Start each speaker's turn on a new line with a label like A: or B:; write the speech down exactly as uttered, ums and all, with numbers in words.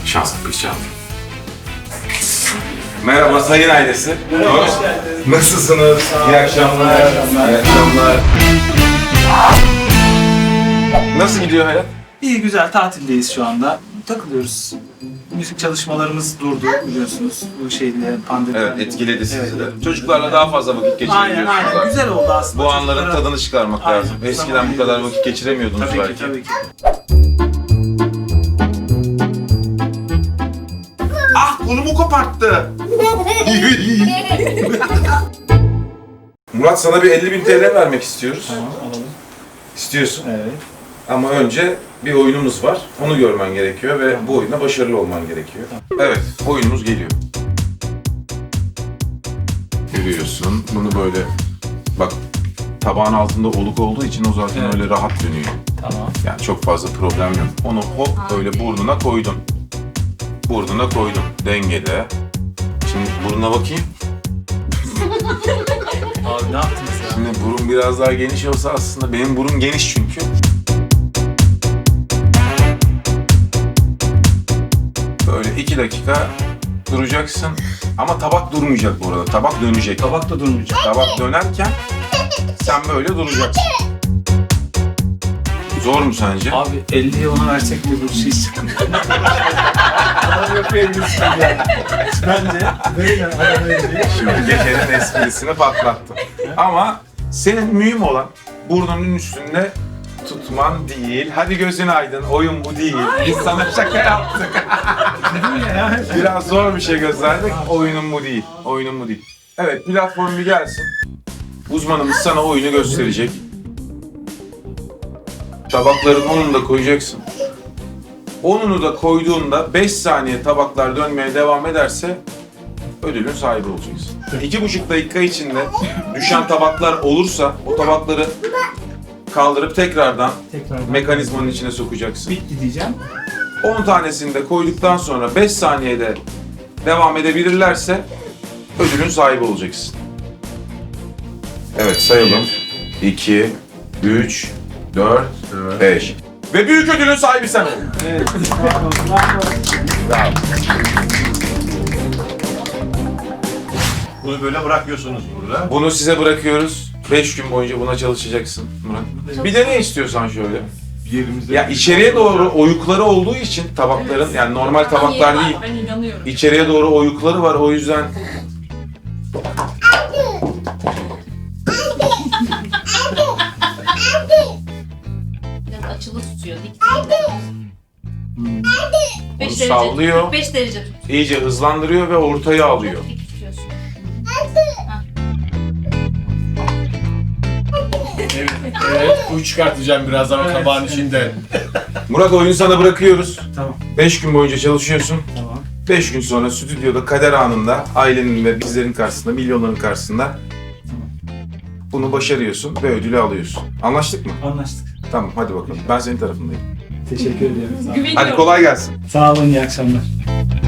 A: Şanslı bir çaldı. Merhaba sayın ailesi.
B: Merhaba, hoş geldiniz.
A: Nasılsınız? İyi akşamlar. İyi akşamlar. Nasıl gidiyor hayat?
B: İyi, güzel. Tatildeyiz şu anda. Takılıyoruz. Müzik çalışmalarımız durdu biliyorsunuz. Bu şeyle pandemi.
A: Evet, etkiledi sizi
B: Evet,
A: de.
B: evet.
A: Çocuklarla daha fazla vakit
B: Aynen
A: geçirebiliyorsunuz.
B: aynen.
A: artık.
B: Güzel oldu aslında.
A: Bu anların
B: Çocuklara-
A: tadını çıkarmak
B: Aynen,
A: lazım. Eskiden
B: zaman
A: bu kadar
B: ayırıyoruz.
A: vakit geçiremiyordunuz
B: Tabii
A: belki.
B: ki, tabii ki.
A: Ah, kolumu koparttı. Murat, sana bir elli bin T L vermek istiyoruz.
B: Tamam, alalım.
A: İstiyorsun.
B: Evet.
A: Ama önce bir oyunumuz var. Onu görmen gerekiyor ve bu oyunda başarılı olman gerekiyor. Evet, oyunumuz geliyor. Görüyorsun, bunu böyle... Bak, tabağın altında oluk olduğu için o zaten
B: Evet.
A: öyle rahat dönüyor.
B: Tamam.
A: Yani çok fazla problem yok. Onu hop böyle burnuna koydun. Burnuna koydun. Dengede. Şimdi burnuna bakayım.
B: Abi ne yaptınız ya?
A: Şimdi burun biraz daha geniş olsa aslında benim burun geniş çünkü. Böyle iki dakika duracaksın. Ama tabak durmayacak bu arada. Tabak dönecek.
B: Tabak da durmayacak.
A: Tabak dönerken sen böyle duracaksın. Zor mu sence?
B: Abi elliyi ona versek de bu şey sıkıntı. Adam yapabilirsin yani. Bence böyle adam elliyi.
A: Şimdi gecenin esprisini patlattım. Ama senin mühim olan burnunun üstünde tutman değil. Hadi gözün aydın, oyun bu değil. Biz sana şaka yaptık. Biraz zor bir şey gösterdik. Oyunun bu değil. Oyunun bu değil. Evet, platform bir gelsin. Uzmanımız sana oyunu gösterecek. Tabakların onunu da koyacaksın. Onunu da koyduğunda beş saniye tabaklar dönmeye devam ederse ödülün sahibi olacaksın. İki buçuk dakika içinde düşen tabaklar olursa o tabakları kaldırıp tekrardan
B: Tekrar
A: mekanizmanın içine sokacaksın.
B: bitti diyeceğim.
A: on tanesini de koyduktan sonra beş saniyede devam edebilirlerse ödülün sahibi olacaksın. Evet, sayalım. iki, üç, dört, beş. Ve büyük ödülün sahibi sen ol.
B: Evet. Bravo, bravo.
C: Bunu böyle bırakıyorsunuz burada.
A: Bunu size bırakıyoruz. beş gün boyunca buna çalışacaksın Murat. Bir de ne istiyorsan şöyle.
C: Yerimizde.
A: Ya içeriye doğru oyukları olduğu için tabakların, yani normal tabaklar değil.
D: Ben inanıyorum.
A: İçeriye doğru oyukları var, o yüzden
D: Biraz açılı tutuyor. Dik değil.
A: onu
D: beş derece,
A: sallıyor,
D: kırk beş derece tut.
A: iyice hızlandırıyor ve ortaya alıyor.
D: Dik tutuyorsun.
C: Evet, evet. Kuyu çıkartacağım birazdan o tabağın içinde.
A: Murat, oyunu sana bırakıyoruz.
B: Tamam.
A: beş gün boyunca çalışıyorsun.
B: Tamam.
A: beş gün sonra stüdyoda kader anında ailenin ve bizlerin karşısında, milyonların karşısında bunu başarıyorsun ve ödülü alıyorsun. Anlaştık mı?
B: Anlaştık.
A: Tamam, hadi bakalım. Ben senin tarafındayım.
B: Teşekkür ederim. Sağ olun.
D: Güveniyorum.
A: Hadi kolay gelsin.
B: Sağ olun, iyi akşamlar.